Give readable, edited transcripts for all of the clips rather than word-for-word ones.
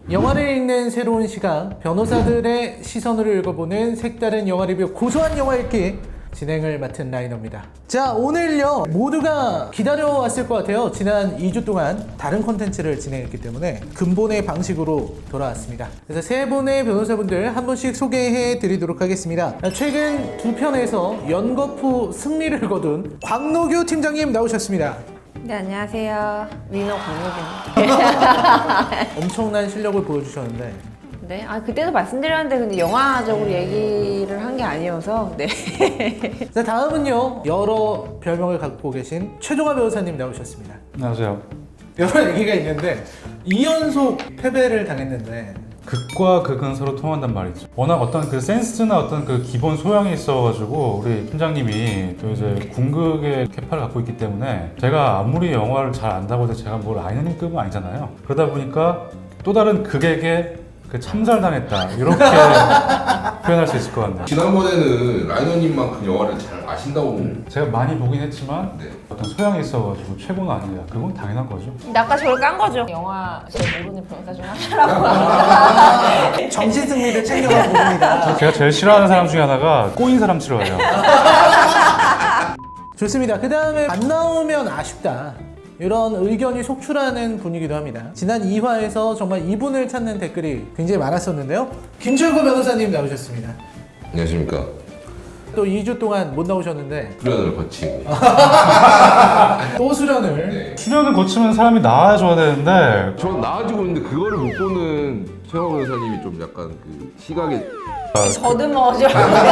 영화를 읽는 새로운 시각, 변호사들의 시선으로 읽어보는 색다른 영화 리뷰 고소한 영화 읽기 진행을 맡은 라이너입니다. 자, 오늘요 모두가 기다려왔을 것 같아요. 지난 2주 동안 다른 콘텐츠를 진행했기 때문에 근본의 방식으로 돌아왔습니다. 그래서 세 분의 변호사분들 한 분씩 소개해 드리도록 하겠습니다. 최근 두 편에서 연거푸 승리를 거둔 광노규 팀장님 나오셨습니다. 네, 안녕하세요. 리너 광노규입니다. 엄청난 실력을 보여주셨는데 네, 그때도 말씀드렸는데 근데 영화적으로 얘기를 한 게 아니어서 네. 자, 다음은요 여러 별명을 갖고 계신 최종화 변호사님 나오셨습니다. 안녕하세요. 여러 얘기가 있는데 2연속 패배를 당했는데 극과 극은 서로 통한단 말이죠. 워낙 어떤 그 센스나 어떤 그 기본 소양이 있어가지고 우리 팀장님이 또 이제 궁극의 캐파를 갖고 있기 때문에 제가 아무리 영화를 잘 안다고 해도 제가 뭐 라이너님급은 아니잖아요. 그러다 보니까 또 다른 극에게 그 참살당했다 이렇게 표현할 수 있을 것 같네요. 지난번에는 라이너님만큼 영화를 잘 아신다고 제가 많이 보긴 했지만 네. 어떤 소양이 있어가지고 최고는 아니다. 그건 당연한 거죠. 근데 아까 저를 깐 거죠. 영화 제일 모르는 변호사 중 하나라고. 정신 승리를 챙겨가고 봅니다. 제가 제일 싫어하는 사람 중에 하나가 꼬인 사람 싫어해요. 좋습니다. 그 다음에 안 나오면 아쉽다 이런 의견이 속출하는 분이기도 합니다. 지난 2화에서 정말 이분을 찾는 댓글이 굉장히 많았었는데요. 김철구 변호사님 나오셨습니다. 안녕하십니까. 또 2주 동안 못 나오셨는데 수련을 거치고 또 수련을 네. 수련을 거치면 사람이 나아져야 되는데 전 나아지고 있는데 그거를 못 보는 최영 변호사님이 좀 약간 그 시각에 더듬어져.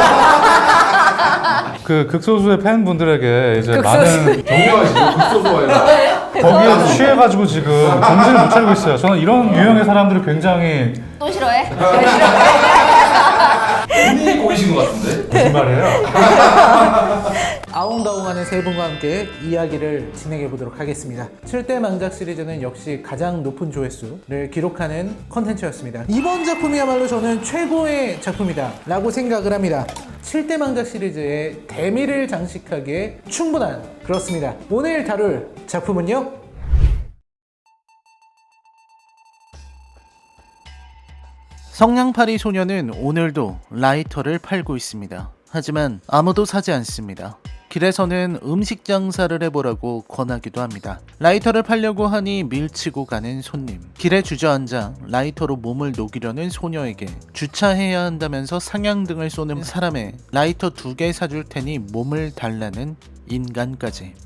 그 극소수의 팬분들에게 이제 많은 정리하시고 극소소가 아니라 거기에 취해가지고 지금 정신을 못 차리고 있어요. 저는 이런 유형의 사람들을 굉장히 또 싫어해? 본인이 꼬이신 것 같은데? 거짓말이에요. 아웅다웅하는 세 분과 함께 이야기를 진행해 보도록 하겠습니다. 7대 망작 시리즈는 역시 가장 높은 조회수를 기록하는 컨텐츠였습니다. 이번 작품이야말로 저는 최고의 작품이다 라고 생각을 합니다. 7대 망작 시리즈의 대미를 장식하기에 충분한, 그렇습니다. 오늘 다룰 작품은요, 성냥팔이 소녀는 오늘도 라이터를 팔고 있습니다. 하지만 아무도 사지 않습니다. 길에서는 음식 장사를 해보라고 권하기도 합니다. 라이터를 팔려고 하니 밀치고 가는 손님, 길에 주저앉아 라이터로 몸을 녹이려는 소녀에게 주차해야 한다면서 상향등을 쏘는 사람에 라이터 2개 사줄 테니 몸을 달라는 인간까지.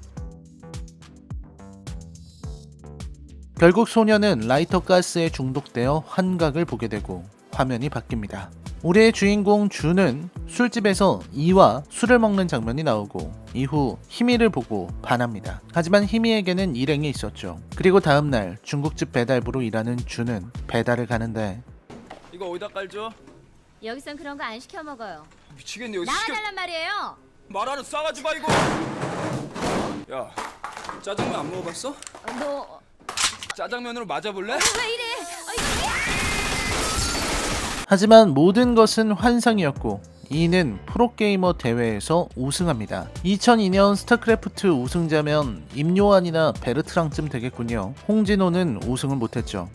결국 소녀는 라이터 가스에 중독되어 환각을 보게 되고 화면이 바뀝니다. 우리의 주인공 준은 술집에서 이와 술을 먹는 장면이 나오고 이후 희미를 보고 반합니다. 하지만 희미에게는 일행이 있었죠. 그리고 다음날 중국집 배달부로 일하는 준은 배달을 가는데 이거 어디다 깔죠? 여기선 그런 거 안 시켜 먹어요. 미치겠네 여기 시켜 나와달란 말이에요. 말하는 싸가지 마 이거. 야 짜장면 안 먹어봤어? 너 짜장면으로 맞아볼래? 왜 이래? 하지만 모든 것은 환상이었고 이는 프로게이머 대회에서 우승합니다. 2002년 스타크래프트 우승자면 임요한이나 베르트랑쯤 되겠군요. 홍진호는 우승을 못했죠.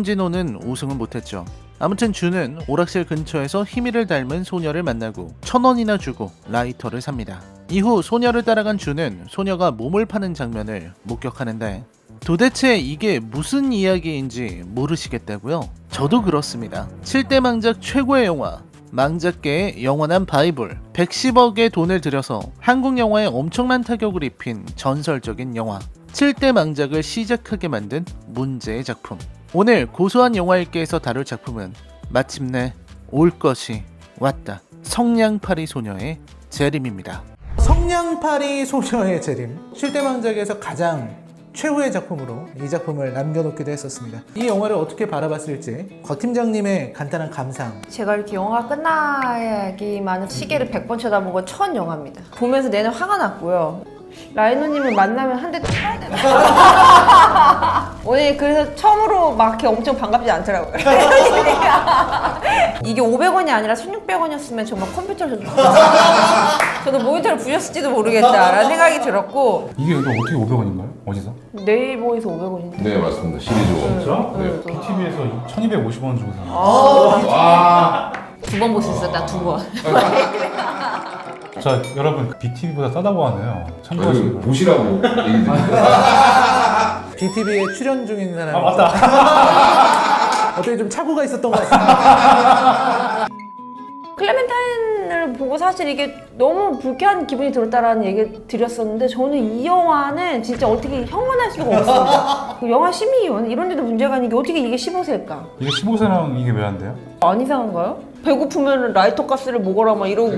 아무튼 준은 오락실 근처에서 희미를 닮은 소녀를 만나고 1,000원이나 주고 라이터를 삽니다. 이후 소녀를 따라간 준은 소녀가 몸을 파는 장면을 목격하는데 도대체 이게 무슨 이야기인지 모르시겠다고요? 저도 그렇습니다. 7대 망작 최고의 영화, 망작계의 영원한 바이블, 110억의 돈을 들여서 한국 영화에 엄청난 타격을 입힌 전설적인 영화, 7대 망작을 시작하게 만든 문제의 작품. 오늘 고소한 영화 읽기에서 다룰 작품은 마침내 올 것이 왔다. 성냥팔이 소녀의 재림입니다. 성냥팔이 소녀의 재림, 7대 망작에서 가장 최후의 작품으로 이 작품을 남겨놓기도 했었습니다. 이 영화를 어떻게 바라봤을지 곽 팀장님의 간단한 감상. 제가 이렇게 영화가 끝나기만 시계를 100번 쳐다본 건 첫 영화입니다. 보면서 내내 화가 났고요. 라이너님을 만나면 한 대 쳐야 되나? 오늘 그래서 처음으로 막 이렇게 엄청 반갑지 않더라고요. 이게 500원이 아니라 1,600원이었으면 정말 컴퓨터를 저도 모니터를 부셨을지도 모르겠다라는 생각이 들었고 이게 이거 어떻게 500원인가요? 어디서? 네이버에서 500원인데. 네 맞습니다. 시리즈 원. 진짜? 네. BTV에서 1,250원 주고 샀어요. 두 번 볼 수 있었다, 두 번. 자, 여러분 BTV보다 싸다고 하네요. 참고하시기 바랍니다. 보시라고 얘기 드립니다. BTV에 출연 중인 사람이 아, 맞다. 어떻게 좀 착오가 있었던 것 같습니다. 클레멘타인을 보고 사실 이게 너무 불쾌한 기분이 들었다라는 얘기를 드렸었는데 저는 이 영화는 진짜 어떻게 형언할 수가 없습니다. 그 영화 심의위원 이런 데도 문제가 아닌 게 어떻게 이게 15세일까? 이게 15세랑 이게 왜 안 돼요? 안 이상한가요? 배고프면 라이터 가스를 먹어라 막 이러고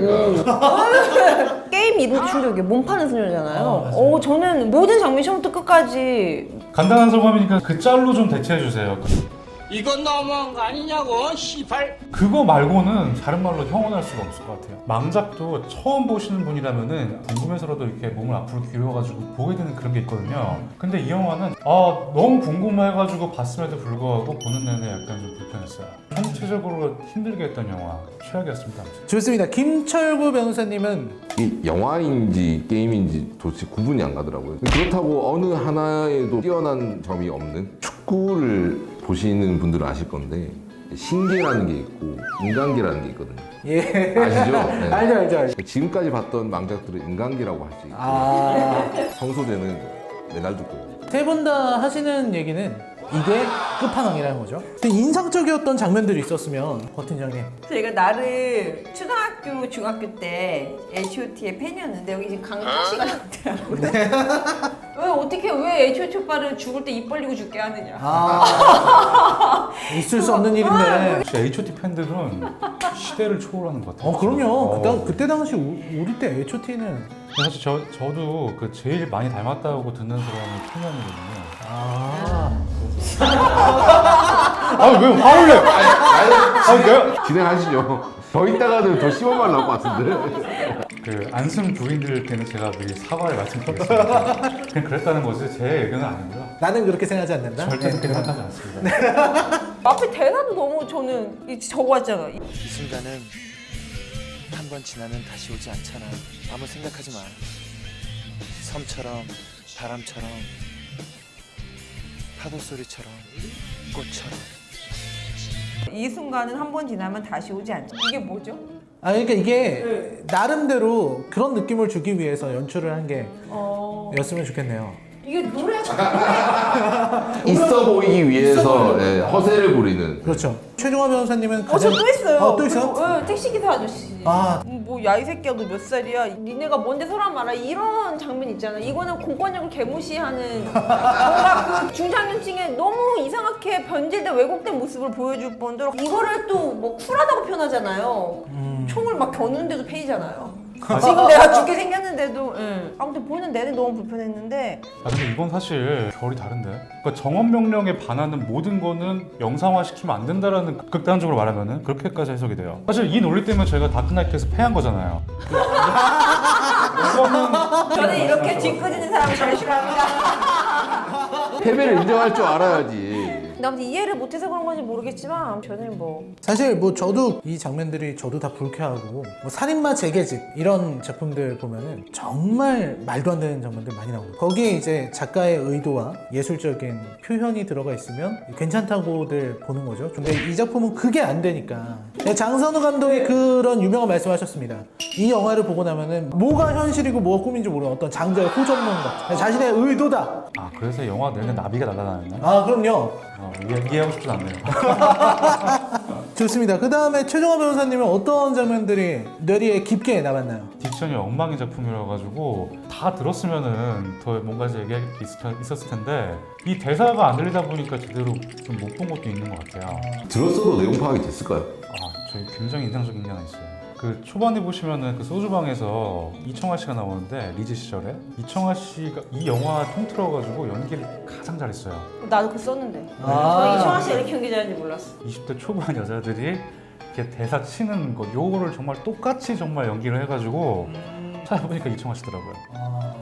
게임 이름 충격이 몸 파는 소녀잖아요. 저는 모든 장면 처음부터 끝까지 간단한 소감이니까 그 짤로 좀 대체해 주세요. 이건 너무한 거 아니냐고 시발. 그거 말고는 다른 말로 형언할 수가 없을 것 같아요. 망작도 처음 보시는 분이라면은 궁금해서라도 이렇게 몸을 앞으로 기울여가지고 보게 되는 그런 게 있거든요. 근데 이 영화는 너무 궁금해가지고 봤음에도 불구하고 보는 내내 약간 좀 불편했어요. 전체적으로 힘들게 했던 영화 최악이었습니다. 좋습니다. 김철구 변호사님은 이 영화인지 게임인지 도대체 구분이 안 가더라고요. 그렇다고 어느 하나에도 뛰어난 점이 없는 축구를 보시는 분들은 아실 건데 신기라는 게 있고 인간기라는 게 있거든요. 예 아시죠? 네. 알죠. 지금까지 봤던 망작들은 인간기라고 할 수 있고 성소재는 메날드 겁니다. 세 분 다 하시는 얘기는 이게 끝판왕이라는 거죠. 근데 인상적이었던 장면들이 있었으면 권 팀장님. 제가 나름 초등학교, 중학교 때 H.O.T의 팬이었는데 여기 지금 강타 씨가 나왔더라고요. 왜 H.O.T 오빠를 죽을 때 입 벌리고 죽게 하느냐. 있을 수 없는 일인데. 진짜 H.O.T 팬들은 시대를 초월하는 것 같아요. 그럼요. 그때 당시 우리 때 H.O.T는 사실 저도 그 제일 많이 닮았다고 듣는 사람이 청년이거든요. 왜 화를 내? 내가 진행하시죠. 더 있다가는 더 심한 말 나올 것 같은데. 그 안승 부인들께는 제가 미리 사과를 말씀드리겠습니다. 그냥 그랬다는 거지 제 의견은 아니고요. 나는 그렇게 생각하지 않는다. 절대 그렇게 생각하지 않습니다. 앞에 대사도 너무 저는 적어왔잖아. 이 순간은 한 번 지나면 다시 오지 않잖아. 아무 생각하지 마. 섬처럼 바람처럼 파도 소리처럼 꽃처럼. 이 순간은 한 번 지나면 다시 오지 않죠. 이게 뭐죠? 그러니까 이게 나름대로 그런 느낌을 주기 위해서 연출을 한 게 였으면 좋겠네요. 이게 노래 있어 보이기 위해서 허세를 부리는. 그렇죠. 최종화 변호사님은 저 또 있어요. 또 있어요? 그리고, 택시기사 아저씨. 아. 야 이 새끼야 너 몇 살이야? 니네가 뭔데 서로 말아. 이런 장면 있잖아. 이거는 공권력을 개무시하는 뭔가 그 중장년층에 너무 이상하게 변질된 왜곡된 모습을 보여줄 뿐더러 이거를 또 뭐 쿨하다고 표현하잖아요. 총을 막 겨누는데도 페이잖아요. 지금 내가 죽게 생겼는데도 아무튼 보는 내내 너무 불편했는데 근데 이건 사실 결이 다른데. 그러니까 정원 명령에 반하는 모든 거는 영상화 시키면 안 된다라는 극단적으로 말하면은 그렇게까지 해석이 돼요. 사실 이 논리 때문에 저희가 다크나이트에서 패한 거잖아요. 저는 이렇게 짓궂은 사람을 잘 싫어합니다. 패배를 인정할 줄 알아야지. 근데 아무튼 이해를 못해서 그런 건지 모르겠지만 저는 뭐 사실 뭐 저도 이 장면들이 저도 다 불쾌하고 뭐 살인마 재계집 이런 작품들 보면은 정말 말도 안 되는 장면들 많이 나오고 거기에 이제 작가의 의도와 예술적인 표현이 들어가 있으면 괜찮다고들 보는 거죠. 근데 이 작품은 그게 안 되니까 장선우 감독이 그런 유명한 말씀하셨습니다. 이 영화를 보고 나면은 뭐가 현실이고 뭐가 꿈인지 모르는 어떤 장자의 호전문과 자신의 의도다. 그래서 영화 내내 나비가 날아다녔나? 그럼요. 이해하고 싶진 않네요. 좋습니다. 그 다음에 최종화 변호사님은 어떤 장면들이 뇌리에 깊게 남았나요? 딕션이 엉망인 작품이라 가지고 다 들었으면은 더 뭔가 얘기할 게 있었을 텐데 이 대사가 안 들리다 보니까 제대로 좀 못 본 것도 있는 것 같아요. 들었어도 내용 파악이 됐을까요? 저희 굉장히 인상적인 게 하나 있어요. 그 초반에 보시면은 그 소주방에서 이청아 씨가 나오는데 리즈 시절에 이청아 씨가 이 영화 통틀어가지고 연기를 가장 잘했어요. 나도 그거 썼는데 저 이청아 씨가 이렇게 연기자인지 몰랐어. 20대 초반 여자들이 이렇게 대사 치는 거 요거를 정말 똑같이 정말 연기를 해가지고 찾아보니까 이청아 씨더라고요.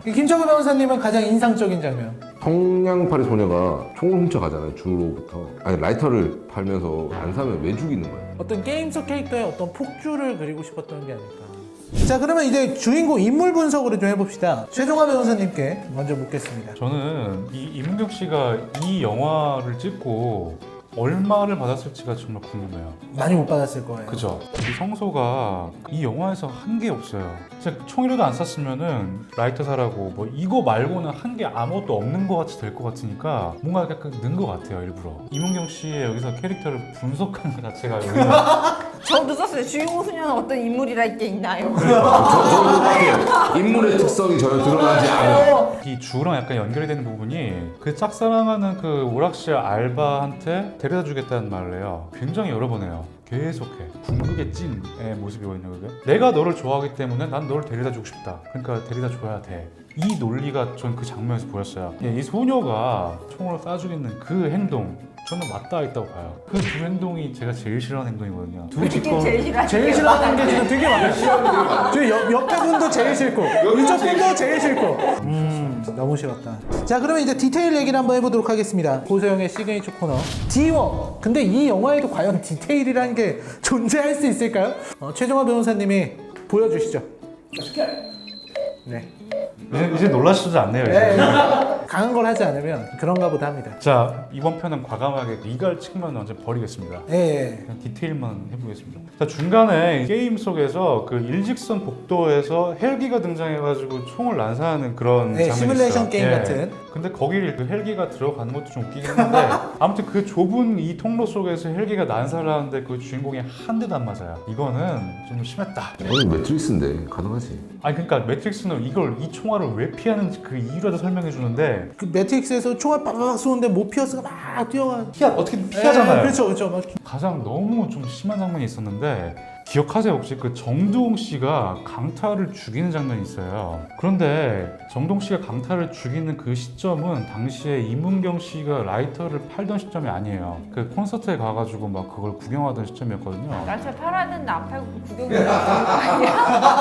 김철구 변호사님은 가장 인상적인 장면. 성냥팔이 소녀가 총을 훔쳐가잖아요. 주로부터. 아니 라이터를 팔면서 안 사면 왜 죽이는 거예요? 어떤 게임 속 캐릭터의 어떤 폭주를 그리고 싶었던 게 아닐까. 자, 그러면 이제 주인공 인물 분석으로 좀 해봅시다. 최종화 변호사님께 먼저 묻겠습니다. 저는 이 이문경 씨가 이 영화를 찍고 얼마를 받았을지가 정말 궁금해요. 많이 못 받았을 거예요. 그죠? 이 성소가 이 영화에서 한 게 없어요. 진짜 총이라도 안 쐈으면은 라이터 사라고 뭐 이거 말고는 한 게 아무것도 없는 것 같이 될 것 같으니까 뭔가 약간 는 것 같아요, 일부러. 이문경 씨의 여기서 캐릭터를 분석하는 것 자체가 여기는 저도 썼어요. 주인공 소녀는 어떤 인물이랄 게 있나요? 저는 똑같아요. 인물의 특성이 전혀 드러나지 않아요. 이 주랑 약간 연결이 되는 부분이 그 짝사랑하는 그 오락실 알바한테 데려다 주겠다는 말을 해요. 굉장히 여러 번 해요. 계속해. 궁극의 찐의 모습이거든요, 그게. 내가 너를 좋아하기 때문에 난 너를 데려다 주고 싶다. 그러니까 데려다 줘야 돼. 이 논리가 전 그 장면에서 보였어요. 이 소녀가 총으로 쏴 죽이는 그 행동, 저는 맞닿아 있다고 봐요. 그 두 행동이 제가 제일 싫어하는 행동이거든요. 두 이게 제일 싫어하는 제일 싫어하는 게 지금 되게 많아요. 저 옆에 분도 제일 싫고 이쪽 분도 제일 싫고. 너무 싫었다. 자, 그러면 이제 디테일 얘기를 한번 해보도록 하겠습니다. 고소영의 시그니처 코너 D1. 근데 이 영화에도 과연 디테일이라는 게 존재할 수 있을까요? 최종화 변호사님이 보여주시죠. 네. 이제 놀라시지 않네요, 이제. 강한 걸 하지 않으면 그런가 보다 합니다. 자, 이번 편은 과감하게 이갈 측면은 완전 버리겠습니다. 예. 그냥 디테일만 해보겠습니다. 자, 중간에 게임 속에서 그 일직선 복도에서 헬기가 등장해가지고 총을 난사하는 그런 네, 장면이 시뮬레이션 있어요. 게임 같은. 근데 거기를 그 헬기가 들어가는 것도 좀 웃기긴 한데 아무튼 그 좁은 이 통로 속에서 헬기가 난사를 하는데 그 주인공이 한 대도 안 맞아요. 이거는 좀 심했다. 저는 매트릭스인데 가능하지. 아니 그러니까 매트릭스는 이 총알을 왜 피하는지 그 이유라도 설명해 주는데 그 매트릭스에서 총알 빠바박 쏘는데 모피어스가 막 뛰어가. 어떻게 피하잖아요. 그렇죠, 그렇죠. 막 가장 너무 좀 심한 장면이 있었는데 기억하세요? 혹시 그 정두홍 씨가 강타를 죽이는 장면이 있어요. 그런데 정두홍 씨가 강타를 죽이는 그 시점은 당시에 이문경 씨가 라이터를 팔던 시점이 아니에요. 그 콘서트에 가가지고 막 그걸 구경하던 시점이었거든요. 날짜 팔아야 되는데 안 팔고 구경을 하는 거 아니야?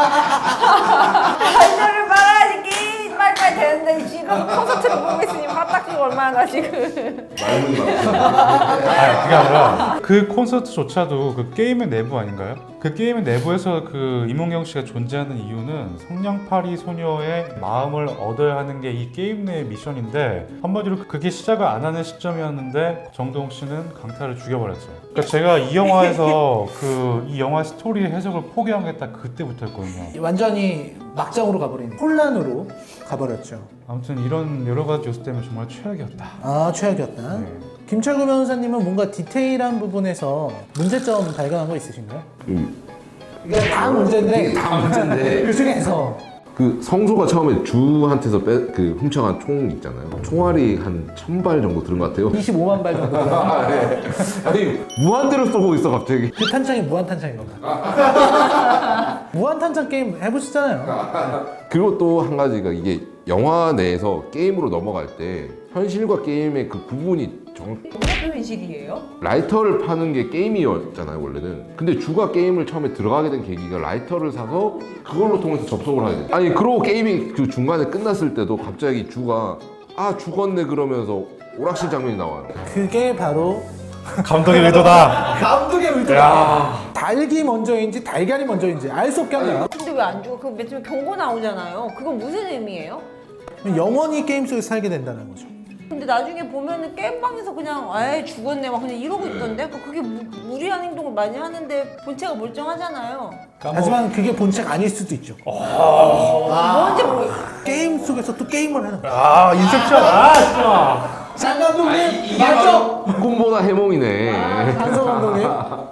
날짜를 팔아야지 게임 빨리빨리 되는데 지금 콘서트를 보고 있으니 화딱지가 얼마나 지금. 말문 막. 아, 그게 아니라 그 콘서트조차도 그 게임의 내부 아닌가요? 그 게임의 내부에서 그 이문경 씨가 존재하는 이유는 성냥팔이 소녀의 마음을 얻어야 하는 게 이 게임 내의 미션인데 한마디로 그게 시작을 안 하는 시점이었는데 정동욱 씨는 강타를 죽여버렸죠. 그러니까 제가 이 영화에서 이 영화 스토리 해석을 포기한 게 딱 그때부터였거든요. 완전히 막장으로 가버린 혼란으로 가버렸죠. 아무튼 이런 여러 가지 요소 때문에 정말 최악이었다. 아, 최악이었다. 네. 김철구 변호사님은 뭔가 디테일한 부분에서 문제점 발견한 거 있으신가요? 이게 다 문제인데 다 문제인데. 그 중에서 그 성소가 처음에 주한테서 훔쳐간 총 있잖아요. 총알이 한 1000발 정도 들은 것 같아요. 25만 발 정도 들어요. 아니 무한대로 쏘고 있어 갑자기. 그 탄창이 무한탄창인 겁니다. 무한탄창 게임 해보시잖아요. 그리고 또 한 가지가 이게 영화 내에서 게임으로 넘어갈 때 현실과 게임의 그 구분이 무슨 현실이에요? 라이터를 파는 게 게임이었잖아요 원래는. 근데 주가 게임을 처음에 들어가게 된 계기가 라이터를 사서 그걸로 통해서 접속을 하게 돼. 아니 그러고 게임이 그 중간에 끝났을 때도 갑자기 주가 죽었네 그러면서 오락실 장면이 나와요. 그게 바로 감독의 의도다. 감독의 의도다. 닭이 먼저인지 달걀이 먼저인지 알 수 없게 합니다. 근데 왜 안 죽어? 그거 맨 처음에 경고 나오잖아요. 그건 무슨 의미예요? 영원히 게임 속에서 살게 된다는 거죠. 근데 나중에 보면은 게임방에서 그냥 아예 죽었네 막 그냥 이러고 있던데 그게 무리한 행동을 많이 하는데 본체가 멀쩡하잖아요. 하지만 그게 본체가 아닐 수도 있죠. 뭔지 모르겠어. 게임 속에서 또 게임을 하는 거야. 아 인셉션. 진짜. 장 감독님 맞죠? 꿈보다 해몽이네. 강성 감독님.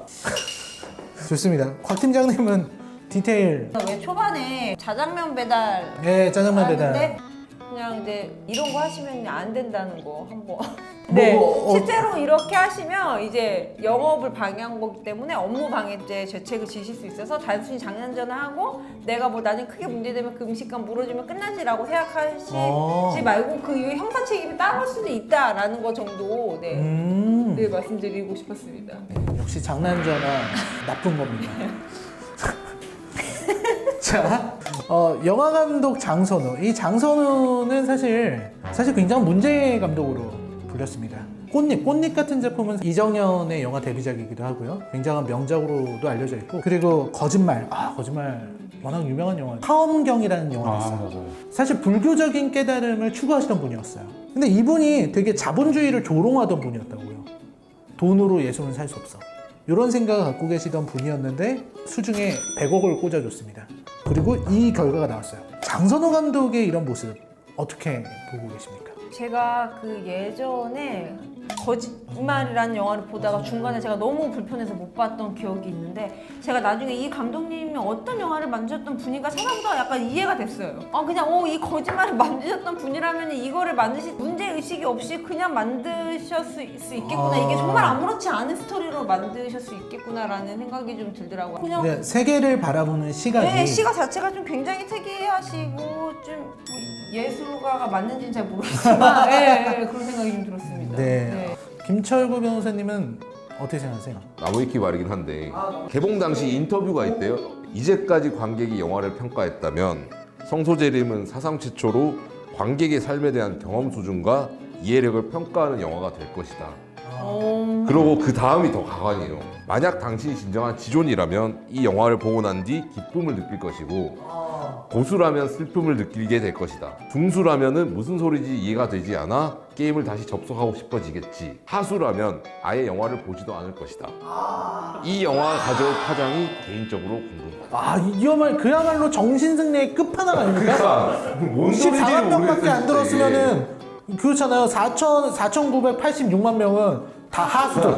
좋습니다. 곽 팀장님은 디테일. 왜 초반에 자장면 배달 네, 짜장면 배달. 하는데 그냥 이제 이런 거 하시면 안 된다는 거 한번. 네, 뭐, 실제로 이렇게 하시면 이제 영업을 방해한 거기 때문에 업무 방해죄 죄책을 지실 수 있어서 단순히 장난 전화하고 내가 뭐 나중에 크게 문제되면 그 음식값 물어주면 끝나지라고 생각하시지 말고 그 이후에 형사 책임이 따를 수도 있다라는 거 정도 네, 말씀드리고 싶었습니다. 역시 장난 전화 나쁜 겁니다. 자, 영화 감독 장선우. 이 장선우는 사실 굉장히 문제 감독으로 불렸습니다. 꽃잎 같은 작품은 이정현의 영화 데뷔작이기도 하고요. 굉장한 명작으로도 알려져 있고, 그리고 거짓말 워낙 유명한 영화. 파엄경이라는 영화가 있어요. 맞아요. 사실 불교적인 깨달음을 추구하시던 분이었어요. 근데 이분이 되게 자본주의를 조롱하던 분이었다고요. 돈으로 예술은 살 수 없어. 이런 생각을 갖고 계시던 분이었는데 수중에 100억을 꽂아줬습니다. 그리고 이 결과가 나왔어요. 장선우 감독의 이런 모습 어떻게 보고 계십니까? 제가 그 예전에 거짓말이라는 영화를 보다가 중간에 제가 너무 불편해서 못 봤던 기억이 있는데, 제가 나중에 이 감독님이 어떤 영화를 만드셨던 분인가 찾아보다가 약간 이해가 됐어요. 그냥 이 거짓말을 만드셨던 분이라면 이거를 만드실 문제의식이 없이 그냥 만드실 수 있겠구나. 이게 정말 아무렇지 않은 스토리로 만드실 수 있겠구나라는 생각이 좀 들더라고요. 그냥 네, 세계를 바라보는 시각이 네, 시각 자체가 좀 굉장히 특이하시고 좀 예술가가 맞는지는 잘 모르겠지만 그런 생각이 좀 들었습니다. 네. 김철구 변호사님은 어떻게 생각하세요? 나무위키 말이긴 한데 개봉 당시 인터뷰가 있대요. 이제까지 관객이 영화를 평가했다면 성소재림은 사상 최초로 관객의 삶에 대한 경험 수준과 이해력을 평가하는 영화가 될 것이다. 그리고 그 다음이 더 가관이에요. 만약 당신이 진정한 지존이라면 이 영화를 보고 난 뒤 기쁨을 느낄 것이고, 고수라면 슬픔을 느끼게 될 것이다. 중수라면은 무슨 소리인지 이해가 되지 않아 게임을 다시 접속하고 싶어지겠지. 하수라면 아예 영화를 보지도 않을 것이다. 이 영화가 가져올 파장이 개인적으로 궁금하다. 그야말로 정신승리의 끝판왕 아닙니까? 뭔 소리인지 14만 명밖에 안 모르겠어요, 들었으면은 그렇잖아요. 4,986만 명은 다 하수들.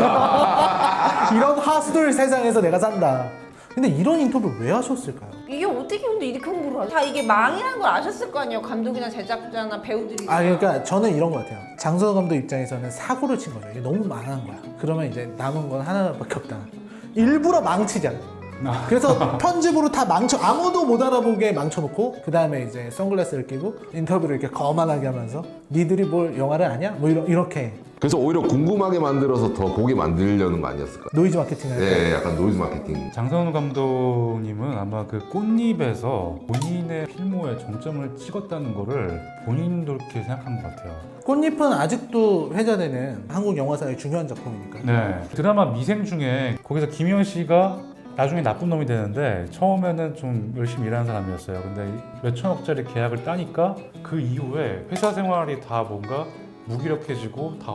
이런 하수들 세상에서 내가 산다. 근데 이런 인터뷰 왜 하셨을까요? 이게 어떻게 근데 이렇게 홍보를 하죠? 다 이게 망이라는 걸 아셨을 거 아니에요. 감독이나 제작자나 배우들이. 그러니까 저는 이런 것 같아요. 장선우 감독 입장에서는 사고를 친 거죠. 이게 너무 망한 거야. 그러면 이제 남은 건 하나밖에 없다. 일부러 망치자. 그래서 편집으로 다 아무도 못 알아보게 망쳐놓고, 그 다음에 이제 선글라스를 끼고 인터뷰를 이렇게 거만하게 하면서 니들이 뭘 영화를 아냐? 뭐 이렇게 그래서 오히려 궁금하게 만들어서 더 보게 만들려는 거 아니었을까? 노이즈 마케팅을 할 네, 약간 노이즈 마케팅. 장선우 감독님은 아마 그 꽃잎에서 본인의 필모에 정점을 찍었다는 거를 본인도 그렇게 생각한 것 같아요. 꽃잎은 아직도 회자되는 한국 영화사의 중요한 작품이니까. 네. 드라마 미생 중에 거기서 김희원 씨가 나중에 나쁜 놈이 되는데 처음에는 좀 열심히 일하는 사람이었어요. 근데 몇천억짜리 계약을 따니까 그 이후에 회사 생활이 다 뭔가 무기력해지고 다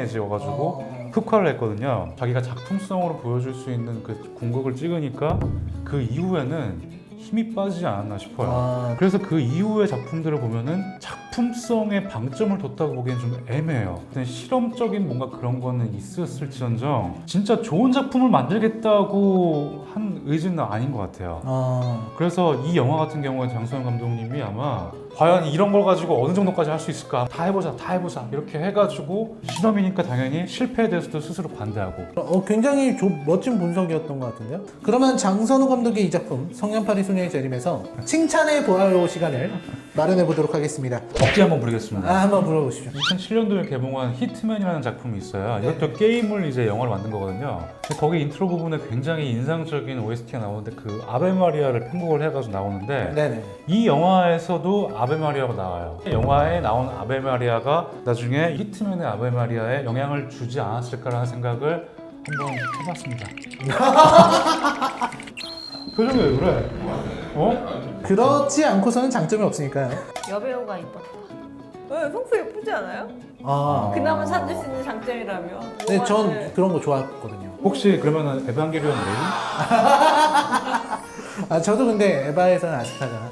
허망해져가지고 흑화를 했거든요. 자기가 작품성으로 보여줄 수 있는 그 궁극을 찍으니까 그 이후에는 힘이 빠지지 않았나 싶어요. 그래서 그 이후의 작품들을 보면은 작품성에 방점을 뒀다고 보기엔 좀 애매해요. 실험적인 뭔가 그런 거는 있었을지언정 진짜 좋은 작품을 만들겠다고 한 의지는 아닌 것 같아요. 그래서 이 영화 같은 경우에 장소영 감독님이 아마 과연 이런 걸 가지고 어느 정도까지 할 수 있을까? 다 해보자 이렇게 해가지고 실험이니까 당연히 실패에 대해서도 스스로 반대하고. 굉장히 멋진 분석이었던 것 같은데요. 그러면 장선우 감독의 이 작품 성냥팔이 소녀의 재림에서 칭찬해 보아요 시간을 마련해 보도록 하겠습니다. 억지 한번 부리겠습니다. 한번 물어보십시오. 2007년도에 개봉한 히트맨이라는 작품이 있어요. 이것도 게임을 이제 영화로 만든 거거든요. 근데 거기 인트로 부분에 굉장히 인상적인 OST가 나오는데 그 아베 마리아를 편곡을 해가지고 나오는데 네네. 이 영화에서도 아베 마리아가 나와요. 영화에 나온 아베 마리아가 나중에 히트맨의 아베 마리아에 영향을 주지 않았을까라는 생각을 한번 해봤습니다. 표정이 왜 그래? 그렇지 않고서는 장점이 없으니까요. 여배우가 이뻤다. 평소 예쁘지 않아요? 아. 그나마 찾을 수 있는 장점이라면. 네, 전 그런 거 좋아했거든요. 혹시 그러면은 에반게리온 레이? 저도 근데 에바에서는 아스카가.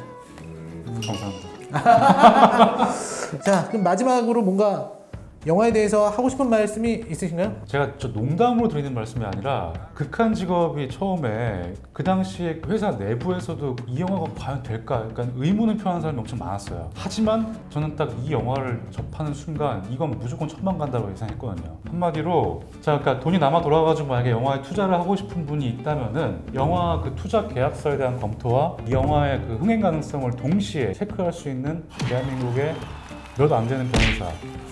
감사합니다. 자, 그럼 마지막으로 뭔가 영화에 대해서 하고 싶은 말씀이 있으신가요? 제가 저 농담으로 드리는 말씀이 아니라 극한 직업이 처음에 그 당시에 회사 내부에서도 이 영화가 과연 될까 약간 의문을 표하는 사람이 엄청 많았어요. 하지만 저는 딱 이 영화를 접하는 순간 이건 무조건 천만 간다고 예상했거든요. 한마디로 자, 그러니까 돈이 남아 돌아가지고 만약에 영화에 투자를 하고 싶은 분이 있다면은 영화 그 투자 계약서에 대한 검토와 이 영화의 그 흥행 가능성을 동시에 체크할 수 있는 대한민국의 몇 안 되는 변호사.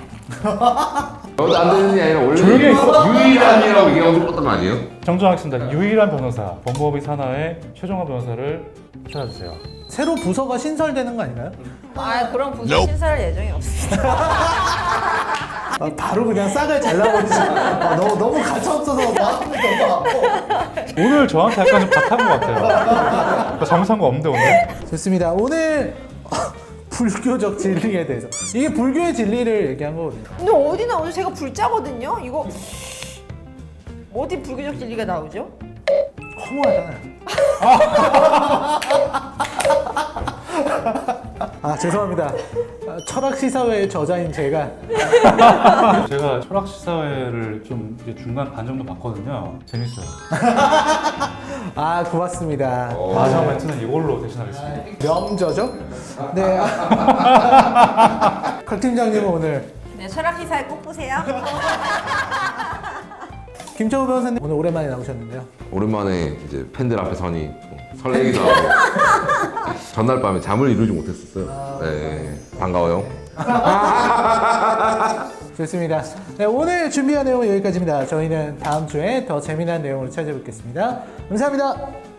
너도 안 되는 게 아니라 원래 조용히 있어. 유일한이라고 얘기하고 싶었던 거 아니에요? 정정하겠습니다. 유일한 변호사, 법무법인 산하의 최종화 변호사를 찾아주세요. 새로 부서가 신설되는 거 아닌가요? 아 그런 부서 신설할 예정이 없습니다. 바로 그냥 싹을 잘라버리지. 너무 가차없어서 마음이 너무 아파. 오늘 저한테 약간 좀 밭한 것 같아요. 잘못한 거 없는데 오늘? 좋습니다. 오늘 불교적 진리에 대해서 이게 불교의 진리를 얘기한 거거든요. 근데 어디 나오죠? 제가 불자거든요. 이거 어디 불교적 진리가 나오죠? 허무하잖아요. 아 죄송합니다. 철학 시사회의 저자인 제가 제가 철학 시사회를 좀 이제 중간 반 정도 봤거든요. 재밌어요. 아 고맙습니다. 마지막 멘트는 이걸로 대신하겠습니다. 명저죠? 네. 각 팀장님은 오늘 네, 철학 시사에 꼭 보세요. 김철우 변호사님 오늘 오랜만에 나오셨는데요. 오랜만에 이제 팬들 앞에 서니 설레기도 하고 전날 밤에 잠을 이루지 못했었어요. 네, 반가워요. 좋습니다. 네, 오늘 준비한 내용은 여기까지입니다. 저희는 다음 주에 더 재미난 내용으로 찾아뵙겠습니다. 감사합니다.